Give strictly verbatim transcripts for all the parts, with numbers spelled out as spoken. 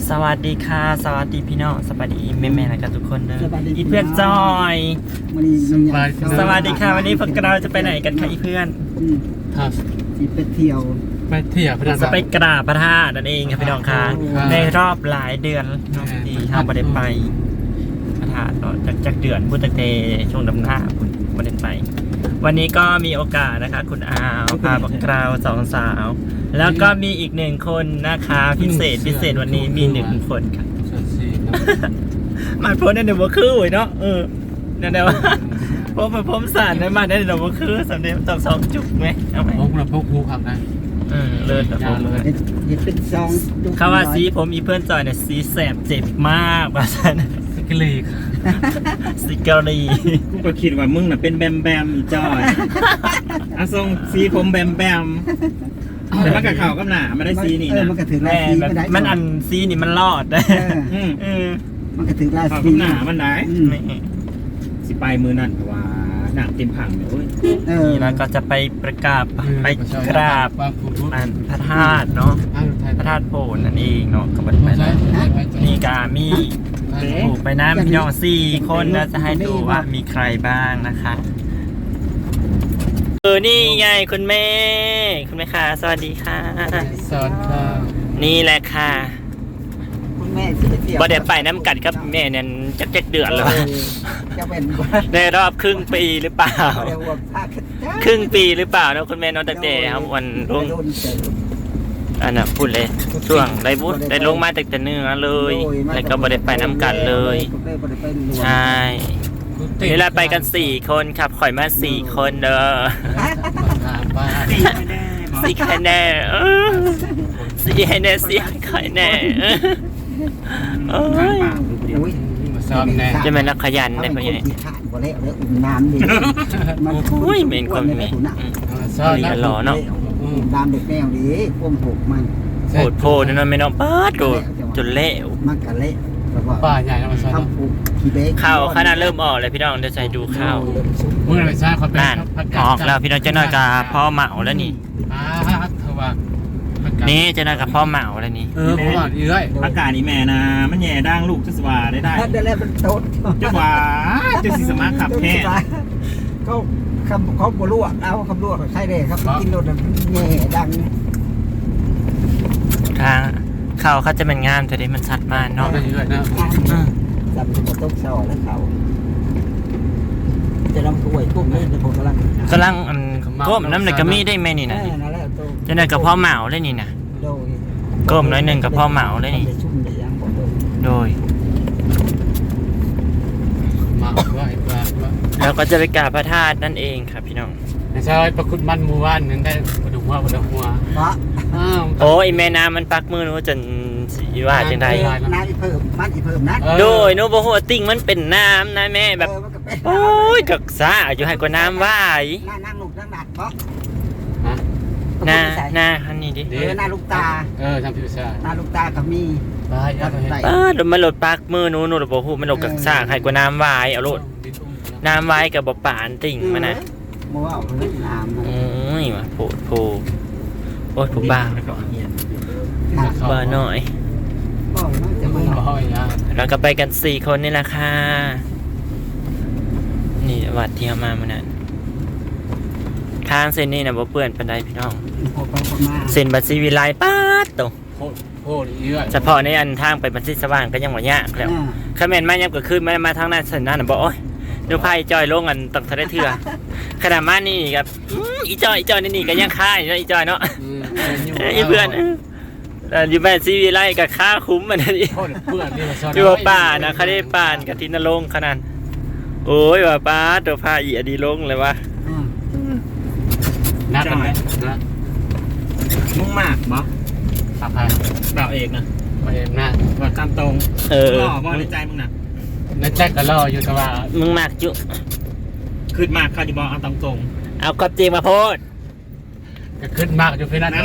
สวัสดีค่ะสวัสดีพี่น้องสวัสดีแม่ๆนะครับทุกคนเด้ออีเพื่อนจอยสวัสดีค่ะวันนี้พวกเราจะไปไหนกันคะอีเพื่อนครับที่ไปเที่ยวไปเที่ยวพนันจะไปกราบพระธาตุนั่นเองครับพี่น้องค่ะในรอบหลายเดือนเนาะที่ทางประเด็นไปพระธาตุเนาะจากจากเดือนพุทธเตช่วงดำหน้าคุณประเด็นไปวันนี้ก็มีโอกาสนะคะคุณอาวพาพวกเราสองสาวแล้วก็มีอีกหนึ่งคนนะคะพิเศษพิเศษวันนี้มีหนึ่งคนค่ะมาโพสในเดบคือเนาะเออนั่นแหละว่าพบมาพบสารในมาในเดบคือสำเร็จตอบสองจุกไหมเอาไหมพกเราพกหูขับได้เออเลิศแบบผมเห็ดเป็นซองเขาว่าสีผมอีเพื่อนจอยเนี่ยสีแสบเจ็บมากว่าสันสกิลีกสิกรีกูก็คิดว่ามึงน่ะเป็นแบมแบมอีจอยอาทรงสีผมแบมแบมแต่มันกับเขากับหนามันได้สีนี่เออนะมันก็ถือลายแม่สีแบบก็ได้มันอันสีนี่มันรอดได้อืมเออมันก็ถือลายเขาสีกับหนามันได้อืมไม่สิไปมือนั่นเพราะว่าหนักเต็มผังเลยเว้ยเออนี่แล้วก็จะไปประกาศไปกราบวางผูกอันพระธาตุเนาะพระธาตุโพนนั่นเองเนาะกับบันไปแล้วนี่กามีถูกไปน้ำพี่น้องสี่คนแล้วจะให้ดูว่ามีใครบ้างนะคะเออนี่ไงคุณแม่คุณแม่ค่ะสวัสดีค่ะสวัสดีครับนี่แหละค่ะคุณแม่ที่ไปเที่ยวบ่ได้ไปน้ำกัดครับแม่เนี่ยจักจักเดือนแล้วจะเป็นว่าในรอบครึ่งปีหรือเปล่าเรียกว่าภาคครึ่งปีหรือเปล่านะคุณแม่นอนตั้งแต่ครับวันลงอันน่ะพูดเลยช่วงได้บุญได้ลงมาตั้งแต่เนื้อเลยแล้วก็บ่ได้ไปน้ำกัดเลยใช่นี่เราไปกันสี่คนครับข่อยมาสี่คนเด้อบ้านสี่ใครแน่เออสี่ให้แน่สี่ให้ใครแน่เออเอ้ยมาซ้อมแน่จะเป็นนักขยันได้ได้ปะเนี่เนี่ย ยขาดบ่แล้วแล้วอุ่นน้ำดิโอ้ยเหม็นคนเหม็นซ้อมนี่ก็รอเนาะอุ่นน้ำเด็กแมวดิก้มผูกมันโหดโพดนั่นไม่น้องป้าดโดดจนเละมันกะเละแล้วก็ป้าใหญ่นะมาซ้อมทำผูกขี้เบ๊กข้าวขนาดเริ่มออกเลยพี่น้องเดี๋ยวใจดูข้าวมึงไปซ้อมเขาเป็นนั่นออกแล้วพี่น้องเจ้าน้อยกับพ่อเหมาแล้วนี่อ่าเธอว่านี่เจ้าน้อยกับพ่อเหมาแล้วนี่เออผมว่าอีเลยอากาศนี่แม่นะมันแย่ด่างลูกจะสว่าได้ได้ได้แล้วมันโตจะว่าจะสิสมาขับแค่เขาคำเขาบลวกเอาคำลวกใช่เลยครับกินรถมันแง่ดังทางข้าวเขาจะเป็นงามแต่เดี๋ยวมันชัดมากน้องเนาะไปอีเลยนะจับตัวต้มซอแล้วเขาจะลำถ้วยกุ้งนี่เดี๋ยวผมกำลังกำลังอันก้มน้ำในกระมี่ได้ไหมนี่นะนั่นแหละตัวเจ้าน้อยกับพ่อเหมาเลยนี่นะโดยก้มน้อยหนึ่งกับพ่อเหมาเลยนี่ชุ่มได้ยังบอกเลยโดยมาว่าไอ้ปลาว่าแล้วก็จะไปกราบพระธาตุนั่นเองครับพี่น้องใช่ประคุณมันมูวันนึงได้กระดูกหัวกระดูกหัวเพราะอ้าวโอ้ยแม่น้ำมันปักมือหนูจนสีว่าจังไดน้ำอีเพิ่มมันอีเพิ่มนะโดยหนูบอกว่าติ่งมันเป็นน้ำนะแม่แบบ โอ้ยกักซาอยู่ให้กว่าน้ำว่ายหน้านั่งลูกนั่งหนักเพราะฮะหน้าหน้าคันนี้ดิเออหน้าลูกตาเออทำผิวชาหน้าลูกตาก็มีไปเอาไปให้ป้าดมันหลดปากมือหนูหนูบอกหูมันหลดกักซาให้กว่าน้ำว่ายเอาโลดน้ำว่ายกับบ่ปานติ่งมันนะมัวเอาเรื่องน้ำโอ้ยว่ะโผดโผโอ้ยผู้บ้าบ้าหน่อยก็จะมึไม่งบอกอย่างนี้เราก็ไปกันสี่คนนี่แหละค่ะนี่วัดที่เอามาเมื่อนั้นทางเส้นนี้นะบ่เปื้อนปานใดพี่น้องพอไปพอมาเส้นบัตรซีวิไลป้าดโตโคตรโคตรเยอะเฉพาะในอันทางไปบัตรซีสว่างก็ยังบ่ยากแล้วคอมเมนต์มายังก็คือมามาทางนั้นเส้นนั้นน่ะบ่โอ้ยดูไพ่จอยลงกันตั้งเท่าได้เถื่อขนาดมานี่ครับอื้ออีจอยอีจอยนี่นี่ก็ยังค่ายอยู่นะอีจอยเนาะอีเพื่อนเอ่ออยู่บ้านซีวิไลกับค่าคุ้มมันนี่โคตรเพื่อนนี่มาซ้อนอยู่ว่าป่านะเขาได้ป่านกับทินนรงค์ขนาดโอ้ยว่าป้าตัวพาอีอดีลงเลยวะนักกันไหมนะมึงมากบ่ปากพายเปล่าเอกนะมาเองนะว่าตามตรงเออหล่อบ่ในใจมึงน่ะนั่นแจ็คก็ล่ออยู่แต่ว่ามึงมากจุขึ้นมากเขาจะบอกเอาตามตรงเอาความจริงมาโพดก็ขึ้นมากอยู่พี่นั่นแต่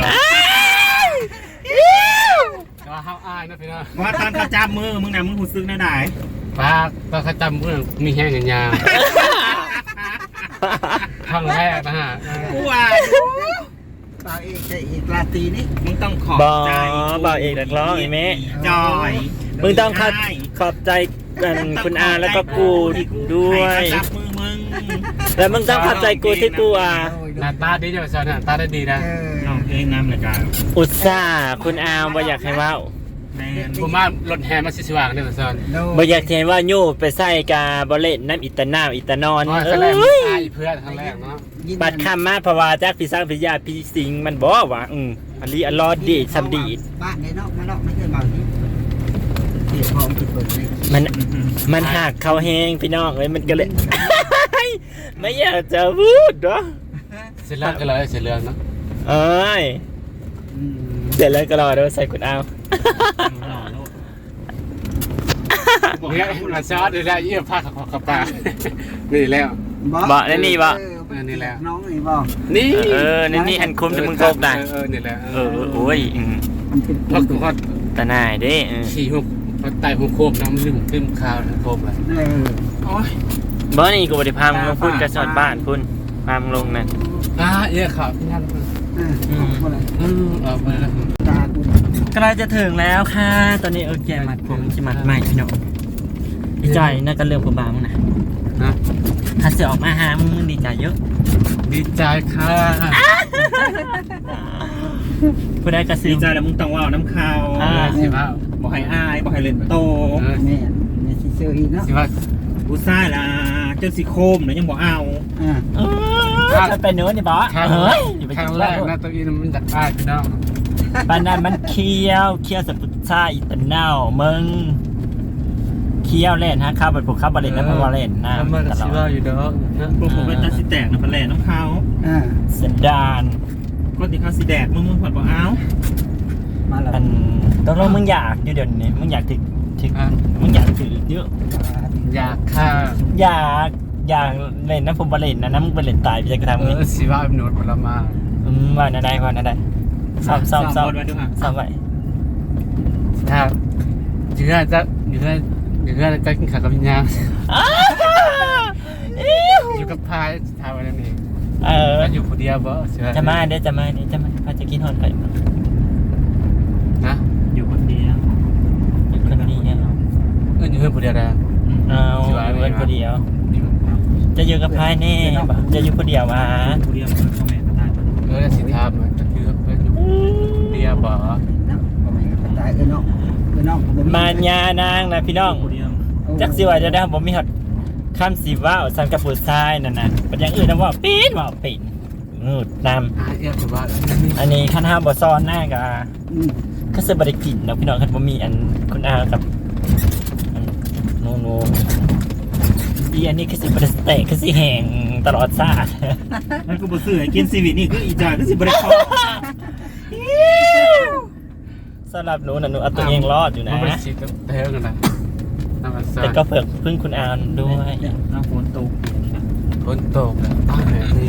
ว่าห้าวอ้ายนะพี่นะว่าตอนเขาจับมือมึงน่ะมึงหูซึกได้ไหนปากตอนเขาจำเรื่องมีแห้งอย่างยาวครั้งแรกนะฮะกูว่าบ่าวเอกจะอีกราตรีนี่มึงต้องขอบบ่ใจบ่าวเอกนักร้องไอ้แม่จอยมึงต้องขอบขอบใจกันคุณอาแล้วก็กูด้วยให้เขาจับมือมึงแล้วมึงต้องขอบใจกูที่กูอ่ะหน้าตาดีจังซะหน้าตาได้ดีนะเออน้องเพลงน้ำเลยจ้าอุตส่าห์คุณอาบ่อยากให้เว้าแมนผมว่ารถแห่มาสิสว่างเด้อซอนบ่อยากเห็นว่าโยไปใส่กาบ่เล่นน้ำอิตาน้ำอิตานอนอ๋อเอครั้งแรก้ยอายเพื่อนครั้งแรกเนาะบัดคำมาเพราะว่าจากพี่สร้างพี่ยาพี่สิงห์มันบ่ว่าอืมอันนี้อันรอดดีสำดีดบ้านในนอกมานอกไม่เคยบ่าวนี้เสียพร้อมที่เปิดเลยมันมันหักเขาแห้งพี่น้องเอ้ยมันก็เลย ไม่อยากจะพูดเนาะเสร็จแล้วก็เลยเสร็จเรื่องเนาะเอ้ยอืมเดี๋ยวแล้วก็รอเดี๋ยวใส่คุณเอาเนี่ยมาซอสได้แล้วเยี่ยมผ้าขาวปลานี่แล้วบ่ได้นี่บ่เออนี่แหละน้องนี่บ่นี่เออนี่นี่อันคุ้มที่มึงโกกได้เออนี่แหละเออโอ้ยอืมมันเป็นพอกูฮอดตาหน่ายเด้เออขี่หุบพอไต่หุบโคบน้ำลืมขึ้นข้าวนะโคบเลยเออโอ้ยบ่นี่กูบ่ได้พามึงลงพุ่นกระสอนบ้านพุ่นพามึงลงนั่นอ่าเยี่ยข่าวพี่นั่นเออของคนละอืมเออไปแล้วตาคุณใกล้จะถึงแล้วค่ะ ตอนนี้เออแกมัดผมสิมัดใหม่พี่น้องดีใจน่าก็เรื่องผมบามึงนะนะถ้าเสือออกมาหามึงมึงดีใจเยอะดีใจค่ะผู้ใดกระซิดีบใจแล้วมึงต้องว่าวน้ำข้าวอ่าสิว่าบอกให้อายบอกให้เล่นโตเออแม่แม่สิเซอร์อีกเนาะสิว่ากูซ่าละเจ้าสิโคมเนี่ยยังบอกเอาอ่าเออจะเป็นเนื้อนี่บอสครั้งเฮ้ยอย่าไปครั้คิงดแรว่ากนะตัวอีนมันจากอ้ายพี่น้องปานนั้นมันเคี้ยวเคี้ยวสับปะรดอีตะเน่ามึงเคี้ยวเล่นฮะข้าวบัดผมข้าวบัดเล่นนะเพราะว่าเล่นนะแล้วมันตก็ลสิอว่าดอยู่เด้อนะพวกผมเป็นตาสิแตกนะพันแหล่น้ำข้าวอ่าสันดานก็ที่เขาสิแดกมึงมึงผ่อนบอกเอามาแล้วอันตกลงมึงอยากอยู่เดี๋ยวนี้มึงอยากถึงถึงอ่ะมึงอยากถือเยอะอยากค่ะอยากอยากเล่นนะผมบาเล่นนะนะมึงไปเล่นตายไปจะกระทำเอไงอสิว่าเป็นหนวดผลไม้อืมว่าน่าได้ว่าน่าได้ซ้อมซ้อมซ้อมบนไว้ด้วยค่ะซ้อมไว้ถ้าอยู่ได้จะอยู่ได้อยู่ได้จะกินข้าวกับวิญญาณอ้าวอิ๊วอยู่กับพายทำอะไรนี่เออแล้วอยู่คนเดียวบ่เชื่อจะมาเด้อจะมาเด้อจะมาพาจะกินฮอนไปมานะอยู่คนเดียวอยู่คนเดียวเอออยู่เพื่อนคนเดียวนะเอาอยู่กันคนเดียว จะอยู่กับพายแน่ปะจะอยู่คนเดียววะคนเดียวมันคอมเมนต์มาได้เออสิทามมันก็คือเพื่อนอยู่คนเดียวบ่เนาะบ่แม่นก็ตายเออเนาะเออเนาะบ่มานยานางนะพี่น้องคนเดียวจักสิว่าจะได้ผมมีฮอดคำสิว่าวสันกับผู้ชายนั่นน่ะเป็นอย่างอื่นนะว่าปีนว่าปีนนูดนอ่าเอียถือว่านี่ำอันนี้คันห้าบ่ซ้อนหน้ากับอืมก็ซื้อบริกินเนาะพี่น้องคันบ่มีอันคุณอากับอันโนโนอีอันนี้คือสิบริสเตะคือสิแห้งตลอดชาตินั่นกูบอกซื้อให้กินซีวิตนี่คืออีจ่าคือสิบริคอสำหรับหนูน่ะหนูเอาตัวเองรอดอยู่นะมันเป็นสีกับเทลกันนะน้ำมันซ่าแต่ก็เผื่อพึ่งคุณอานด้วยน้ำฝนตกฝนตกแล้วอ้าวนี่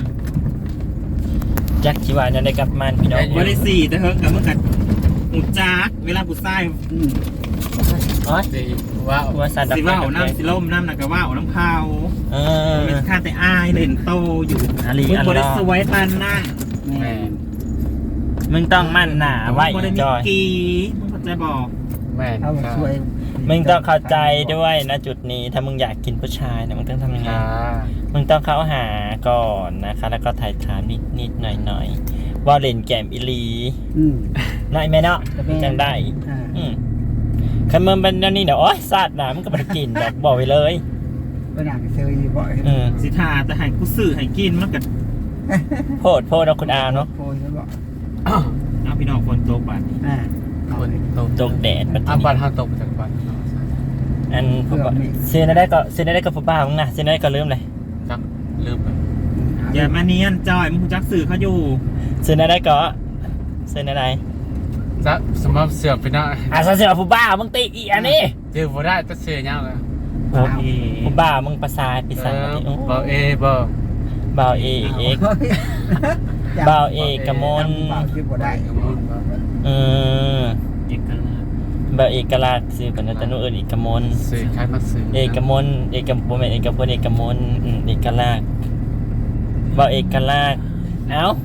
จักชีวาเนี่ยได้กลับมันพี่น้องวันที่สี่แต่เฮิร์กกับเมื่อกัดหมูจ้าเวลากูไส้อืมอ๋อดีว้าวว่าสันดับสิว่าวน้ำสิล่มน้ำหนักกะว่าวน้ำข้าวเออเป็นข้าแต่อายเล่นโตอยู่อาลีมึงอันบริรอสวยปันนะแม่แม่มึงต้องมั่นหนาไว้บริจมิอยกีมึงเข้าใจบอกแม่เอาสวยมึงต้องเข้าใจด้วยนะจุดนี้ถ้ามึงอยากกินผู้ชายนะมึงต้องทำยังไงค่ะมึงต้องเข้าหาก่อนนะคะ แล้วก็ถ่ายถามนิดนิดๆหน่อยหน่อยๆว่าเล่นแกมอิลีอืมน้อยไหมเนาะจังได้อ่าอืมคันมึงเป็นอันนี้เดี๋ยวโอ๊ยซาดหนามึงก็ไม่ได้กินแบบบอกไว้เลยไปหนังเซอร์อีบ่อยอืมสิทาแต่ให้กูซื้อให้กินมันกัดโพดโพดเอาคุณอาเนาะโพยบ่น้ำพี่น้องฝนตกบัดอ่าฝนตกตกแดดปัจอ่ะจุบ้าบันนห้าตกจากบ้านอันผมก็เซนได้ก็เซนได้ก็ผู้ป้ามึงนะเซนได้ก็ลืมเลยจักลืมไปอย่ามาเนียนจอยมึงจักสื่อเขาอยู่เซนได้ก็เซนได้จะสมมติเสือกไปหน้าอ่ะเสือผู้บ้ามึงตีอีอันนี้เจอบ่ได้จะเสือยาวเลยโอ้ผู้บ้ามึงประสาทปีศาจบ่เอบ่บ่าวเอกเอกบ่าวเอกกมลบ่าวชื่อบ่ได้เออเอกลักษณ์บ่าวเอกลักษณ์ซื้อเป็นตะนุเอิญเอกมลสื่อใครมาสื่อเอกมลเอกบ่แม่นเอกพลเอกมลอืมเอกลักษณ์บ่าวเอกลักษณ์เอ้าเออ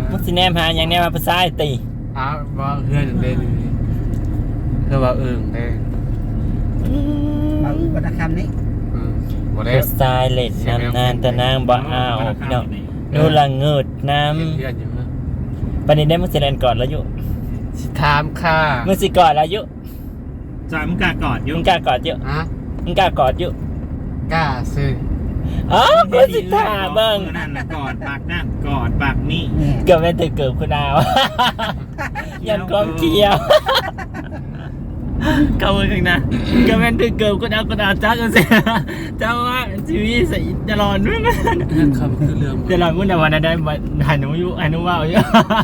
มึงสิแนมหาอย่างแนมมาภาษาไอ้ตีอ้าวว่าเพื่อนเล่นเพื่อว่าเอิงได้บางวรรณคำนี้อืมบ่ได้ภาษาเล่นนำนานแต่นางบ่เอาพี่น้องนูละเงิดน้เห็นเพื่อนอยู่มั้ยำปันนี้ได้มึงสิเล่นก่อนแล้วอยู่สิถามค่ะมึงสิก่อนแล้วอยู่จอยมึงกากอดอยุ่มึงกล้ากอดอยู่ฮะมึงกล้ากอดอยู่กล้าซื้ออ๋อกูสิท่าเบิ่งนั่นนะกอดปากนั่นกอดปากนี่นี่เกือบเป็นตึกเกือบคุณดาว ยันความเกี่ยวเข้ามือข้างหน้าเกือบเป็นตึกเกือบคุณดาวคุณดาวจ้ากันเสียเจ้าว่าชีวิตใส่ตลอดด้วยมั้ยเรื่องคำคือเรื่องตลอดมุ่งแต่วันนั้นได้หันหนูอยู่หันหนูว่าอยู่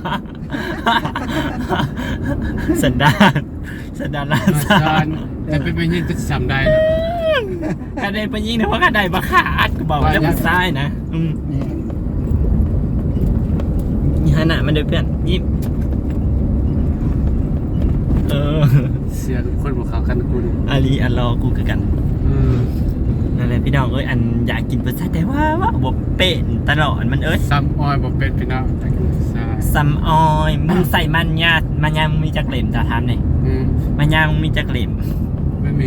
สันดานสันดานลาอาซาจารย์แต่เป็นไปยิงจะจำได้นะการได้ไปยิงเนี่ยเพราะการได้มาขาดกูบอกว่าจะมาซ้ายนะอืมนี่นี่ฮะน่ะมันเดือเพื่อนยิ้มเออเสียทุกคนบอกเขากันคุณอาลีอัลลอกูคือกันอืมนั่นแหละพี่น้องเอ้ยอันอยากกินเปอร์เซ็นต์แต่ว่าว่าบ่เป็นตลอดมันเอ้ยซ้ำออยบอกเป็นพี่น้องแต่กินซ่าซัมออยมึงใส่มันยามันยามึงมีจักเหล่มจะทำเนี่ยอืมมันยามึงมีจักเหล่มไม่มี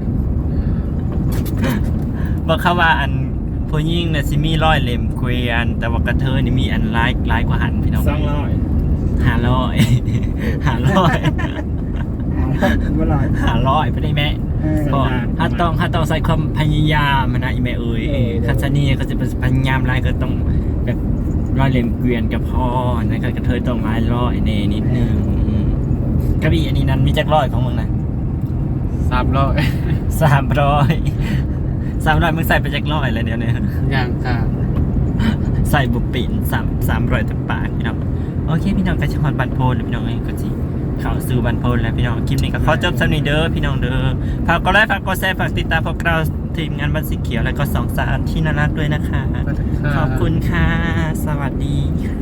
บอกเขาว่าอันผู้หญิงน่ะสิมีร้อยเหล่มเกวียนแต่ว่ากระเทยนี่มีอันหลายหลายกว่าหันพี่น้องสองร้อยห้าร้อย ห้าร้อยอ่าบ่ลอยห้าร้อยไปได้แม่เออก็ถ้าต้องถ้าต้องใส่ความพยายามมันนะอีแม่เอ้ยเออคันชะนีก็จะเป็นพยายามหลายก็ต้องแบบร้อยเหล่มเกวียนกับพ่อนะครับกระเทยต้องหลายร้อยเนนิดนึงอืมกระบี่อันนี้นั้นมีจักร้อยของมึงนะสามร้อยสามร้อยสามร้อยมึงใส่ไปจักร้อยเลยเดี๋ยวนี้อย่างค่ะใส่บุปผินสามสามร้อยแต่ปากพี่น้องโอเคพี่น้องกระชอนบันโพลพี่น้องเองก็จีเข้าสู่บันโพลแล้วพี่น้องคลิปนี้ก็ขอจบสำหรับเด้อพี่น้องเด้อฝากกดไลค์ฝากกดแชร์ฝากติดตามพวกเราทีมงานบันสีเขียวและก็สองสารที่น่ารักด้วยนะคะ ขอบคุณค่ะ สวัสดีค่ะ